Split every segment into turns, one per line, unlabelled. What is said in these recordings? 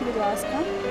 Будь ласка.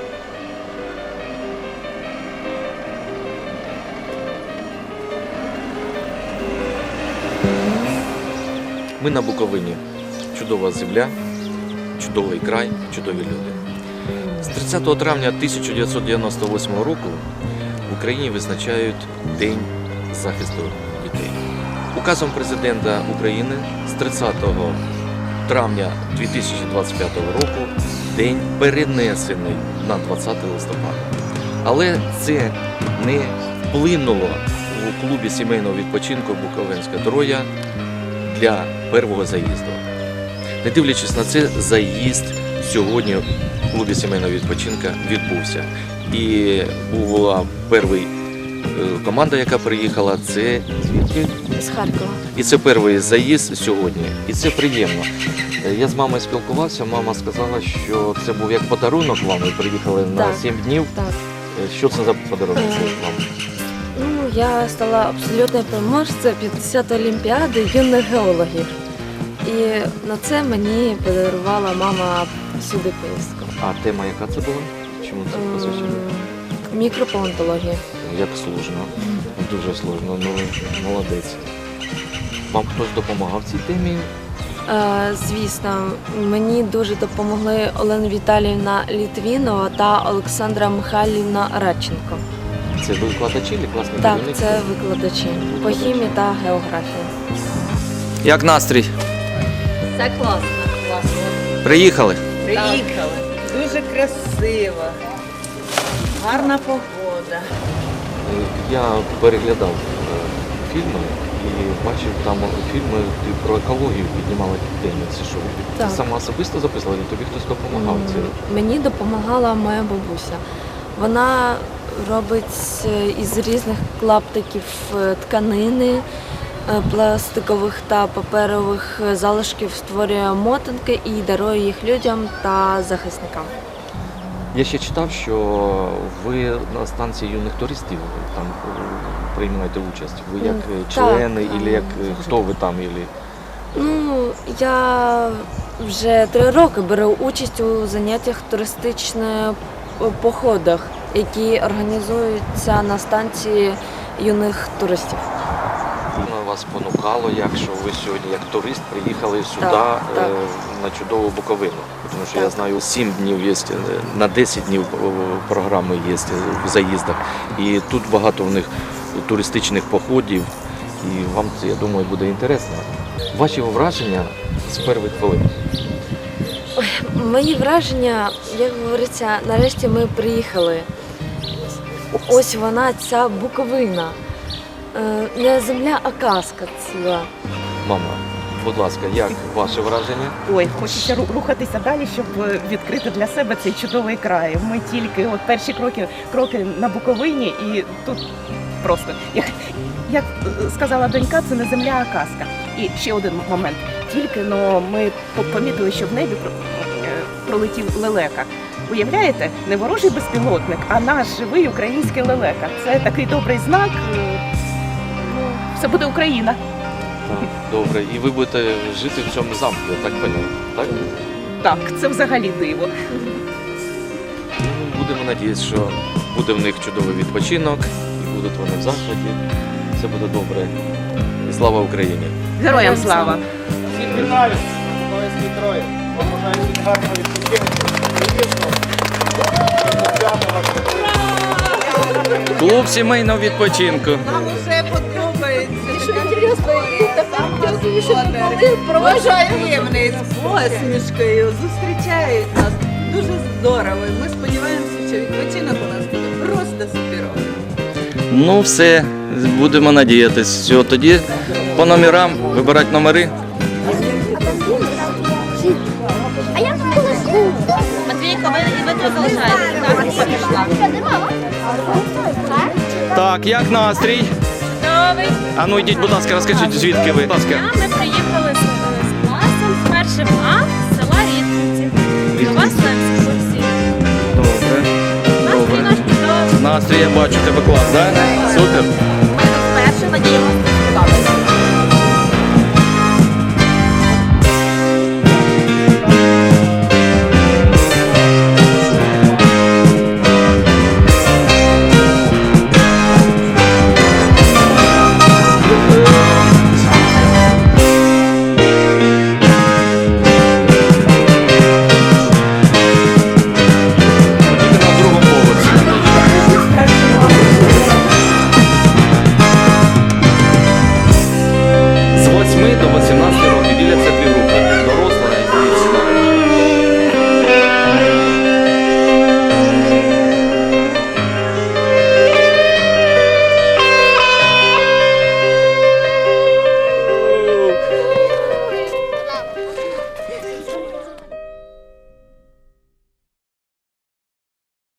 Ми на Буковині. Чудова земля, чудовий край, чудові люди. З 30 травня 1998 року в Україні визначають День захисту дітей. Указом президента України з 30 травня 2025 року день перенесений на 20 листопада. Але це не вплинуло у клубі сімейного відпочинку Буковинська Троя для першого заїзду. Не дивлячись на це, заїзд сьогодні в клубі сімейного відпочинку відбувся. І була перша команда, яка приїхала, це звідки?
З Харкова.
І це перший заїзд сьогодні. І це приємно. Я з мамою спілкувався, мама сказала, що це був як подарунок вам, ви приїхали на 7 днів.
Так.
Що це за подарунок вам?
Ну, я стала абсолютною переможцем 50-ї Олімпіади юних геологів. І на це мені подарувала мама сюди поїздку.
А тема яка це була? Чому це посвячено?
Мікропалеонтологія.
Як сложно, дуже сложно, ну молодець. Вам хтось допомагав в цій темі?
Звісно, мені дуже допомогли Олена Віталіївна Літвінова та Олександра Михайлівна Радченко.
Це викладачі чи класні
Так,
керівники?
це викладачі по хімії та географії.
Як настрій?
Це класно.
Приїхали?
Приїхали. Дуже красиво. Гарна погода.
Я переглядав фільми і бачив там фільми про екологію піднімали теми. Це що? Ти
Так.
сама особисто записувала, чи тобі хтось допомагав?
Мені допомагала моя бабуся. Вона робить із різних клаптиків тканини, пластикових та паперових залишків створює мотанки і дарує їх людям та захисникам.
Я ще читав, що ви на станції юних туристів там приймаєте участь. Ви як члени,
так.
або як хто ви там?
Ну, я вже 3 роки беру участь у заняттях туристичних походах, які організуються на станції юних туристів.
Вас спонукало, якщо ви сьогодні як турист приїхали сюди
Так.
на чудову Буковину. Тому що я
Так.
знаю, 7 днів є, на 10 днів програми є в заїздах. І тут багато в них туристичних походів. І вам це, я думаю, буде інтересно. Ваші враження з перших хвилин?
Мої враження, як говориться, нарешті ми приїхали. Ось вона, ця Буковина. Не земля, а казка ціла.
Мама, будь ласка, як ваше враження?
Ой, хочеться рухатися далі, щоб відкрити для себе цей чудовий край. Ми тільки от перші кроки на Буковині, і тут просто, як сказала донька, це не земля, а казка. І ще один момент. Тільки ми помітили, що в небі пролетів лелека. Уявляєте, не ворожий безпілотник, а наш живий український лелека. Це такий добрий знак. Все буде Україна.
Так, добре. І ви будете жити в цьому замку, я так поняв, так?
Так, це взагалі диво.
Будемо надіятися, що буде в них чудовий відпочинок, і будуть вони в захваті. Все буде добре. І слава Україні!
Героям слава!
Всіх вітаю! Буковинській Трої! Побажаю всім гарного відпочинку!
Клуб сімейного відпочинку.
Нам вже подобається. Проважаємний з посмішкою, зустрічають нас. Дуже здорово. І ми сподіваємося, що відпочинок у нас буде просто суперовий.
Ну все, будемо надіятися. Все, тоді по номерам вибирати номери.
Матвійко, ви тут залишаєтесь, так? Пішла.
Так, як настрій?
Чудовий.
А ну йдіть, будь ласка, розкажіть, звідки ви? Будь ласка.
Ми приїхали з класом з першим А з села Рідниці. До вас на екскурсії.
Добре.
Настрій наш чудовий.
Настрій, я бачу, тебе клас, так? Супер.
Ми тут вперше, надіємося,